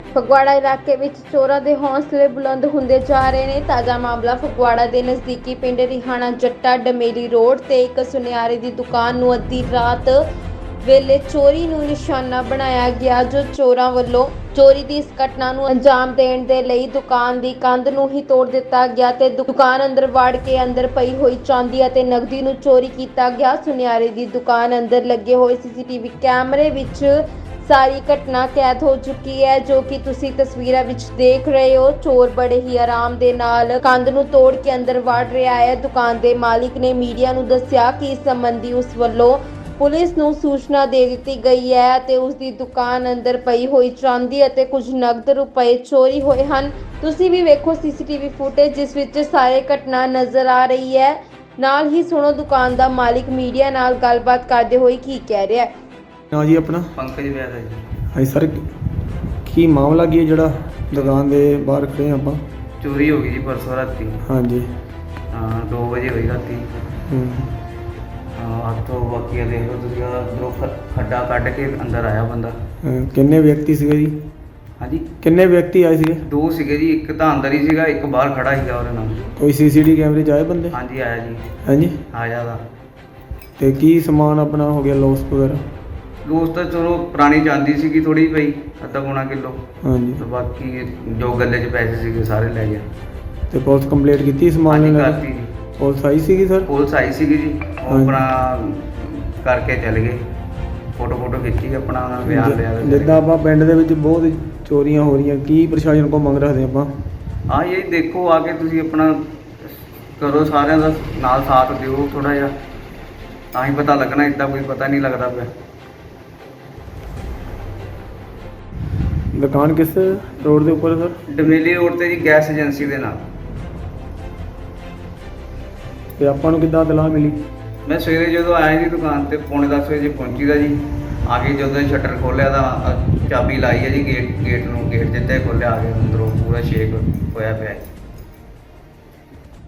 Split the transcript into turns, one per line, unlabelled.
ਫਗਵਾੜਾ ਇਲਾਕੇ ਵਿੱਚ ਚੋਰਾਂ ਦੇ ਹੌਸਲੇ ਬੁਲੰਦ ਹੁੰਦੇ ਜਾ ਰਹੇ ਨੇ। ਤਾਜ਼ਾ ਮਾਮਲਾ ਫਗਵਾੜਾ ਦੇ ਨਜ਼ਦੀਕੀ ਪਿੰਡ ਰਿਹਾਣਾ ਜੱਟਾ ਡਮੇਲੀ ਰੋਡ ਤੇ ਇੱਕ ਸੁਨਿਆਰੇ ਦੀ ਦੁਕਾਨ ਨੂੰ ਅੱਧੀ ਰਾਤ ਵੇਲੇ ਚੋਰੀ ਨੂੰ ਨਿਸ਼ਾਨਾ ਬਣਾਇਆ ਗਿਆ। ਜੋ ਚੋਰਾਂ ਵੱਲੋਂ ਚੋਰੀ ਦੀ ਇਸ ਘਟਨਾ ਨੂੰ ਅੰਜਾਮ ਦੇਣ ਦੇ ਲਈ ਦੁਕਾਨ ਦੀ ਕੰਧ ਨੂੰ ਹੀ ਤੋੜ ਦਿੱਤਾ ਗਿਆ ਤੇ ਦੁਕਾਨ ਅੰਦਰ ਵੜ ਕੇ ਅੰਦਰ ਪਈ ਹੋਈ ਚਾਂਦੀ ਅਤੇ ਨਕਦੀ ਨੂੰ ਚੋਰੀ ਕੀਤਾ ਗਿਆ। ਸੁਨਿਆਰੇ ਦੀ ਦੁਕਾਨ ਅੰਦਰ ਲੱਗੇ ਹੋਏ ਸੀਸੀਟੀਵੀ ਕੈਮਰੇ ਵਿੱਚ ਸਾਰੀ ਘਟਨਾ ਕੈਦ ਹੋ ਚੁੱਕੀ ਹੈ, ਜੋ ਕਿ ਤੁਸੀਂ ਤਸਵੀਰਾਂ ਵਿੱਚ ਦੇਖ ਰਹੇ ਹੋ। ਚੋਰ ਬੜੇ ਹੀ ਆਰਾਮ ਦੇ ਨਾਲ ਕੰਧ ਨੂੰ ਤੋੜ ਕੇ ਅੰਦਰ ਵੜ ਰਿਹਾ ਹੈ। ਦੁਕਾਨ ਦੇ ਮਾਲਿਕ ਨੇ ਮੀਡੀਆ ਨੂੰ ਦੱਸਿਆ ਕਿ ਇਸ ਸੰਬੰਧੀ ਉਸ ਵੱਲੋਂ ਪੁਲਿਸ ਨੂੰ ਸੂਚਨਾ ਦੇ ਦਿੱਤੀ ਗਈ ਹੈ ਅਤੇ ਉਸ ਦੀ ਦੁਕਾਨ ਅੰਦਰ ਪਈ ਹੋਈ ਚਾਂਦੀ ਅਤੇ ਕੁਝ ਨਕਦ ਰੁਪਏ ਚੋਰੀ ਹੋਏ ਹਨ। ਤੁਸੀਂ ਵੀ ਵੇਖੋ ਸੀਸੀਟੀਵੀ ਫੁਟੇਜ ਜਿਸ ਵਿੱਚ ਸਾਰੇ ਘਟਨਾ ਨਜ਼ਰ ਆ ਰਹੀ ਹੈ। ਨਾਲ ਹੀ ਸੁਣੋ ਦੁਕਾਨ ਦਾ ਮਾਲਿਕ ਮੀਡੀਆ ਨਾਲ ਗੱਲਬਾਤ ਕਰਦੇ ਹੋਏ ਕੀ ਕਹਿ ਰਿਹਾ ਹੈ।
हाँ जी अपना
पंकज वैद है जी।
हाँ सर की मामला की है जड़ा दुकान के बाहर खड़े हैं आप?
चोरी हो गई जी परसों राती।
हाँ जी
2 बजे हुई राती। तो बाकी देख लो तुम अंदरों खड्डा कट के अंदर आया बंदा।
किन्ने व्यक्ति सीगे जी?
हाँ जी
किन्ने व्यक्ति आए सीगे?
2 सीगे जी, एक तो अंदर ही सीगा, एक बाहर खड़ा सीगा ਉਹਦੇ ਨਾਲ।
कोई सीसीटीवी कैमरे च आए बंदे?
हाँ जी आया जी।
हाँ जी
आया था।
ते की समान अपना हो गया लॉस वगैरह?
ਦੋਸਤ ਤਾਂ ਚਲੋ ਪੁਰਾਣੀ ਚਾਂਦੀ ਸੀਗੀ ਥੋੜੀ ਪਈ, ਅੱਧਾ ਪੌਣਾ ਕਿਲੋ।
हाँ जी
ਤੇ ਬਾਕੀ ਜੋ ਗੱਲੇ 'ਚ ਪੈਸੇ ਸੀਗੇ ਸਾਰੇ ਲੈ ਗਿਆ।
ਤੇ ਪੁਲਿਸ ਕੰਪਲੀਟ ਕੀਤੀ ਸਮਾਨ
ਹਾਂਜੀ
ਲੈਣ
ਕਰਤੀ ਜੀ।
ਪੁਲਿਸ ਆਈ ਸੀਗੀ ਸਰ?
ਪੁਲਿਸ ਆਈ ਸੀਗੀ ਜੀ, ਉਹ
ਹਾਂਜੀ।
ਆਪਣਾ ਕਰਕੇ ਚਲੇ ਗਏ। ਫੋਟੋ ਖਿੱਚੀ ਆਪਣਾ ਉਹਨਾਂ ਨੇ ਬਿਆਨ ਲਿਆ ਤੇ ਚਲੇ
ਜਿੱਦਾਂ ਆਪਾਂ ਪਿੰਡ ਦੇ ਵਿੱਚ ਬਹੁਤ ਚੋਰੀਆਂ ਹੋ ਰਹੀਆਂ, ਕੀ ਪ੍ਰਸ਼ਾਸਨ ਕੋਲ ਮੰਗ ਰੱਖਦੇ ਆਪਾਂ?
ਹਾਂ ਇਹ ਦੇਖੋ ਆ ਕੇ ਤੁਸੀਂ ਆਪਣਾ ਕਰੋ, ਸਾਰਿਆਂ ਦਾ ਨਾਲ ਸਾਥ ਦਿਓ ਥੋੜਾ ਜਿਹਾ, ਤਾਂ ਹੀ ਪਤਾ ਲੱਗਣਾ, ਇੱਦਾਂ ਕੋਈ ਪਤਾ ਨਹੀਂ ਲੱਗਦਾ ਪਿਆ।
ਦੁਕਾਨ ਕਿਸ ਰੋਡ ਦੇ ਉੱਪਰ ਸਰ?
ਡਮੇਲੀ ਰੋਡ ਤੇ ਜੀ, ਗੈਸ ਏਜੰਸੀ ਦੇ ਨਾਲ।
ਤੇ ਆਪਾਂ ਨੂੰ ਕਿੱਦਾਂ ਇਤਲਾਹ ਮਿਲੀ?
ਮੈਂ ਸਵੇਰੇ ਜਦੋਂ ਆਇਆ ਜੀ ਦੁਕਾਨ ਤੇ 9:45 ਵਜੇ ਪਹੁੰਚੀ ਦਾ ਜੀ। ਆ ਕੇ ਜਦੋਂ ਸ਼ਟਰ ਖੋਲ੍ਹਿਆ ਤਾਂ ਚਾਬੀ ਲਾਈ ਹੈ ਜੀ, ਗੇਟ ਨੂੰ, ਗੇਟ ਜਿੱਤੇ ਖੋਲ੍ਹਿਆ, ਆ ਕੇ ਅੰਦਰੋਂ ਪੂਰਾ ਸ਼ੇਕ ਹੋਇਆ ਪਿਆ।